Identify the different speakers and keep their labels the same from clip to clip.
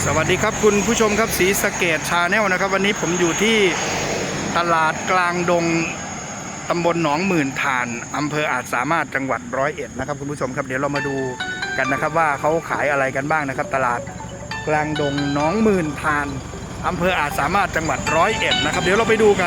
Speaker 1: สวัสดีครับคุณผู้ชมครับศรีสะเกษชาแนลนะครับวันนี้ผมอยู่ที่ตลาดกลางดงตำบลหนองหมื่นทานอำเภออาจสามารถจังหวัด101นะครับคุณผู้ชมครับเดี๋ยวเรามาดูกันนะครับว่าเขาขายอะไรกันบ้างนะครับตลาดกลางดงหนองหมื่นทานอำเภออาจสามารถจังหวัด101นะครับเดี๋ยวเราไปดูกัน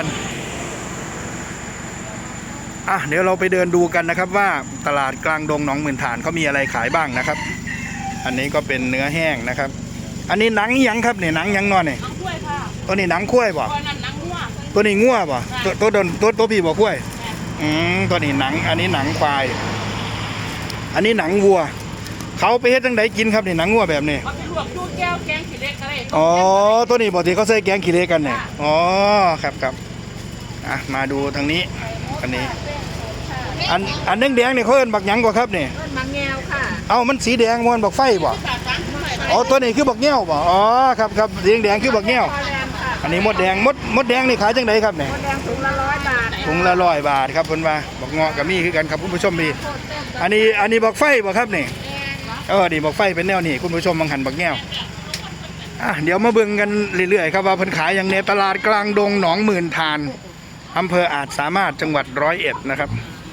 Speaker 1: เดี๋ยวเราไปเดินดูกันนะครับว่าตลาดกลางดงหนองหมื่นทานเขามีอะไรขายบ้างนะครับอันนี้ก็เป็นเนื้อแห้งนะครับอันนี้หนังยังครับเนี่ยหนังยังนอนเนี่ย
Speaker 2: หนังกล้วยค่ะ
Speaker 1: ตัวนี้หนังคุ้ยบ่
Speaker 2: ตัวนั้นหนังงัว
Speaker 1: ตัวนี้งัวบ่ตัวพี่บ่คุ้ยตัวนี้หนังอันนี้หนังควายอันนี้หนังวัวเขาไปเฮ็ดจังไดกินครับนี่หนังงัวแบบนี้
Speaker 2: เอาไปลวกดูแก้วแกงขี้เหล็กอะไร
Speaker 1: อ๋อตัวนี้บ่ที่เขาใส่แกงขี้เหล็กกันเนี่ยอ๋อครับมาดูทางนี้อันนี้อันแดงๆเนี่ยเขาเอิ้นบักหยังกว่าครับนี่
Speaker 2: เอิ้นมะแงวค่ะ
Speaker 1: เอ้ามันสีแดงมันบักไฟบ่อ๋อตัวนี้คือบักแง้วบ่อ๋อครับสีแดงคือบักแง้วอันนี้มดแดงมดแดงนี่ขายจังไดครับเนี่ย
Speaker 2: มดแดงถุงละ100 บาท
Speaker 1: ถุงละ100 บาทครับเพิ่นว่าบักเงาะก็มีคือกันครับคุณผู้ชมพี่อันนี้บักไฟบ่ครับนี่นี่บักไฟเป็นแนวนี้คุณผู้ชมบางหันบักแง้วเดี๋ยวมาเบิ่งกันเรื่อยๆครับว่าเพิ่นขายอย่างในตลาดกลางดงหนองหมื่นทานอำเภออาจสามารถจังหวัด101นะครับ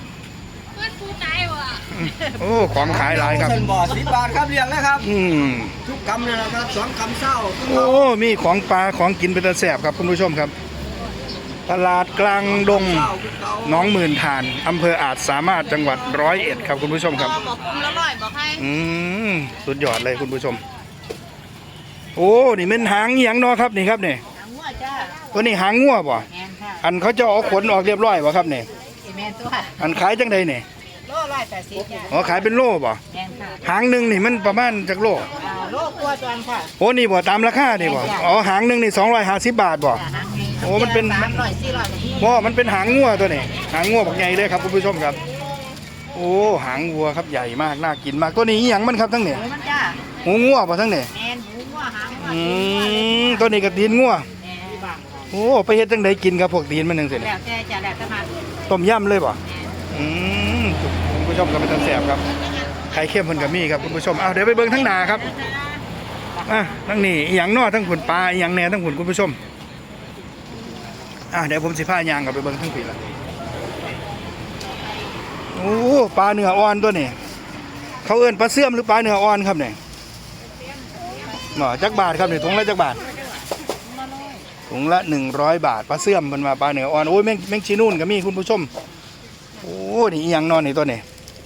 Speaker 1: โอ้ของขายหลายครับ
Speaker 3: เส้นบ่อ10 บาทครับเรียงนะครับทุกกำเลยนะครับ2 กำเศร้า
Speaker 1: โอ้มีของปลาของกินเป็นตะแสบครับคุณผู้ชมครับตลาดกลางดงหนองหมื่นทานอำเภออาจสามารถจังหวัด101ครับคุณผู้ชมครับ
Speaker 2: บอกคุมละ100บอกให้
Speaker 1: สุดยอดเลยคุณผู้ชมโอ้นี่เป็นหางเหียงเนาะครับนี่ครับนี่
Speaker 2: หางงัวจ้า
Speaker 1: ตัวนี้หางงัวป่ะอันเขาจะเอาขนออกเรียบร้อยป่ะครับนี่
Speaker 2: แม่นตัว
Speaker 1: อันขายจังใดนี่
Speaker 2: โล180จ้า
Speaker 1: อ๋อขายเป็นโลป่ะ
Speaker 2: แม่นค่ะ
Speaker 1: หางหนึ่งนี่มันประมาณจากโล
Speaker 2: โลกว่าจวนค่ะ
Speaker 1: โอ้นี่บ่ตามราคานี่บ่อ๋อหางหนึ่งนี่250 บาทบ่โอ้มันเป็น
Speaker 2: 300 400
Speaker 1: บ่มันเป็นหางงัวตัวนี้หางงัวบักใหญ่เลยครับคุณผู้ชมครับโอ้หางวัวครับใหญ่มากน่ากินมากตัวนี้อีหยังมันครับทั้งนี้
Speaker 2: มันจ้า
Speaker 1: หูงัวป่ะทั้งนี้
Speaker 2: แม่นหูงัวหาง
Speaker 1: ตัวนี้ก็ตีนงัวโอ้ไปเฮ็ดจังไดกินกับพวกตีนมันจังซี่
Speaker 2: แล้วแต่จะแล้วแต่มา
Speaker 1: ต้มยำเลยบ่คุณผู้ชมก็เป็นตาแสบครับไข่เค็มเพิ่นก็มีครับคุณผู้ชมเดี๋ยวไปเบิ่งทั้งหน้าครับทั้งนี้อีหยังน้อทั้งขุนปลาอีหยังแหน่ทั้งขุนคุณผู้ชมเดี๋ยวผมสิพายางกับไปเบิ่งทั้งปีละโอ้ปลาเนื้ออ่อนตัวนี้เขาเอิ้นปลาเสื่อมหรือปลาเนื้ออ่อนครับเนี่ยจักบาทครับเนี่ยถุงละจักบาทถุงละ100 บาทปลาเสื่อมมันมาปลาเนื้ออ่อนโอ้ยแมงชีนู่นก็มีคุณผู้ชมโอ้นี่อีหยังนอนนี่ตัวนี้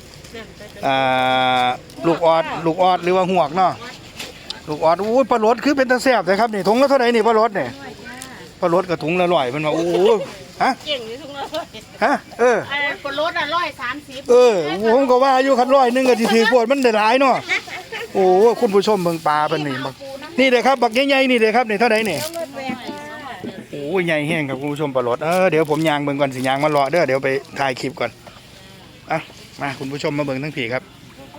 Speaker 1: ลูกออดหรือว่าหวกเนาะลูกออดโอ้ยปลาลดคือเป็นตะแสบเลยครับนี่ถุงละเท่าไหร่นี่ปลาลดเนี่ยปลาลดกับถุงละ100มันว่าโอ้
Speaker 2: เก่งเลยถุงละปลาลด130
Speaker 1: ผมก็ว่าอยู่คัน100นึงก็สิถือปวดมันได้หลายเนาะโอ้คุณผู้ชมเบิ่งปลาเป็นนี่เลยครับบักใหญ่ๆนี่เลยครับนี่เท่าไหร่นี่โอ้ใหญ่แห้งครับคุณผู้ชมปลาลดเดี๋ยวผมยางเบิ่งก่อนสิยางมารอเดี๋ยวไปถ่ายคลิปก่อนมาคุณผู้ชมมาเบิ่งทั้งผีครับ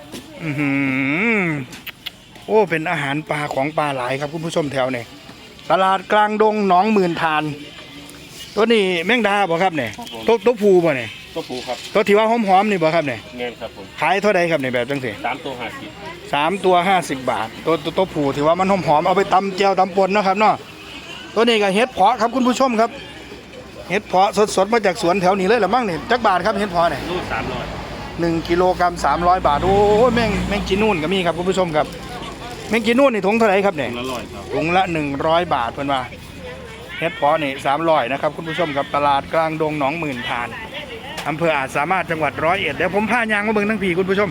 Speaker 1: โอ้เป็นอาหารปลาของปลาหลายครับคุณผู้ชมแถวนี่ตลาดกลางดงหนองหมื่นทานตัวนี้แมงดาบ่ครับเนี่ยตัวผูบ่เนี่ย
Speaker 3: ตัวผูครับ
Speaker 1: ตัวที่ว่าหอมๆนี่บ่ครับเนี่ย
Speaker 3: เงินครับผม
Speaker 1: ขายเท่าใดครับเนี่ยแบบจังสิ
Speaker 3: 3 ตัว
Speaker 1: 50 บาทตัวผูที่ว่ามันหอมๆเอาไปตำแจ่วตำป่นนะครับเนาะตัวนี้ก็เห็ดเพาะครับคุณผู้ชมครับเห็ดเพาะสดๆมาจากสวนแถวนี้เลยหรือมั้งเนี่ยจักบาทครับเห็ดเพาะเนี่ย
Speaker 3: ลูก300
Speaker 1: 1 กิโลกรัม300 บาทโอ้แมงจีนูนก็มีครับคุณผู้ชมครับแมงจีนูนนี่ถุงเท่าไหร่ครับเนี่ยถุงละ100 บาทเพิ่นว่าเห็ดเพาะนี่300นะครับคุณผู้ชมครับตลาดกลางดงหนองหมื่นทานอำเภออาจสามารถจังหวัด101เดี๋ยวผมพายางมาเบิ่งทั้งผีคุณผู้ชม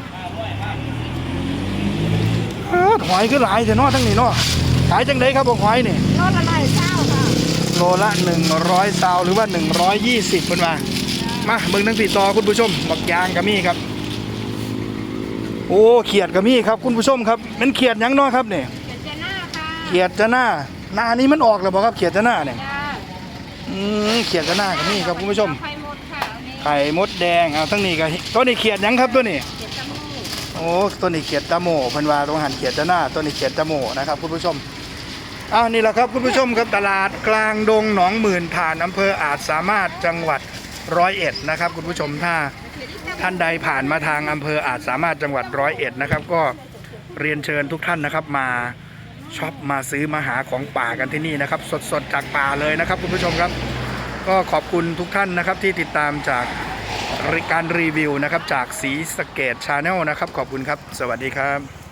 Speaker 1: หอยคือหลายแต่เนาะทั้งนี้เนาะขายจังไดครับหอยนี่
Speaker 2: โลละ120ค่ะ
Speaker 1: โลละ100 ซาวหรือว่า120เพิ่นว่ามาเบิ่งทั้งผีต่อคุณผู้ชมบักยางก็มีครับโอ้เขียดก็มีครับคุณผู้ชมครับมันเขียดยังเนาะครับเนี่ยเขียดจะหน้านี้มันออกแล้วบ่ครับเขียดจะหน้าเนี่ยเขียดจะหน้าก็มีครับคุณผู้ชมไข่มดแดงทั้งนี้ก็ตัวนี้เขียดยังครับตัวนี้โอ้ตัวนี้เขียดตะโมเพิ่นว่าต้องหันเขียดจะหน้าตัวนี้เขียดตะโมนะครับคุณผู้ชมนี่แหละครับคุณผู้ชมครับตลาดกลางดงหนองหมื่นทานอำเภออาจสามารถจังหวัด101นะครับคุณผู้ชมถ้าท่านใดผ่านมาทางอำเภออาจสามารถจังหวัด101นะครับก็เรียนเชิญทุกท่านนะครับมาช็อปมาซื้อมาหาของป่ากันที่นี่นะครับสดๆจากป่าเลยนะครับคุณผู้ชมครับก็ขอบคุณทุกท่านนะครับที่ติดตามจากการรีวิวนะครับจากศรีสะเกษ Channel นะครับขอบคุณครับสวัสดีครับ